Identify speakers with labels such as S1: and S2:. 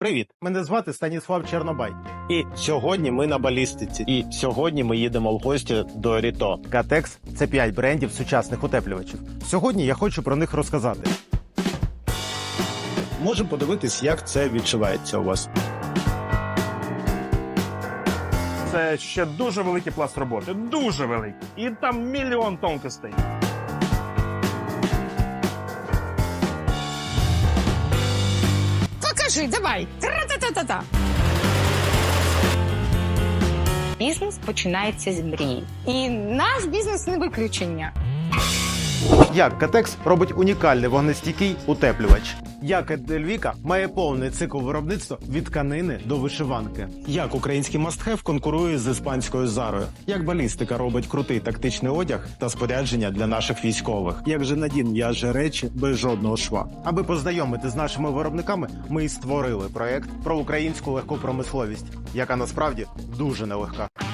S1: Привіт, мене звати Станіслав Чернобай. І сьогодні ми на балістиці. І сьогодні ми їдемо в гості до Ріто. Катекс – це 5 брендів сучасних утеплювачів. Сьогодні я хочу про них розказати. Можемо подивитись, як це відчувається у вас.
S2: Це ще дуже великий пласт роботи, дуже великий. І там мільйон тонкостей.
S3: Покажи, давай. Тра-та-та-та-та. Бізнес починається з мрії. І наш бізнес не виключення.
S1: Як Катекс робить унікальний вогнестійкий утеплювач. Як Едельвіка має повний цикл виробництва від тканини до вишиванки. Як український мастхев конкурує з іспанською Зарою. Як балістика робить крутий тактичний одяг та спорядження для наших військових. Як же Надін в'яже речі без жодного шва. Аби познайомити з нашими виробниками, ми і створили проект про українську легку промисловість, яка насправді дуже нелегка.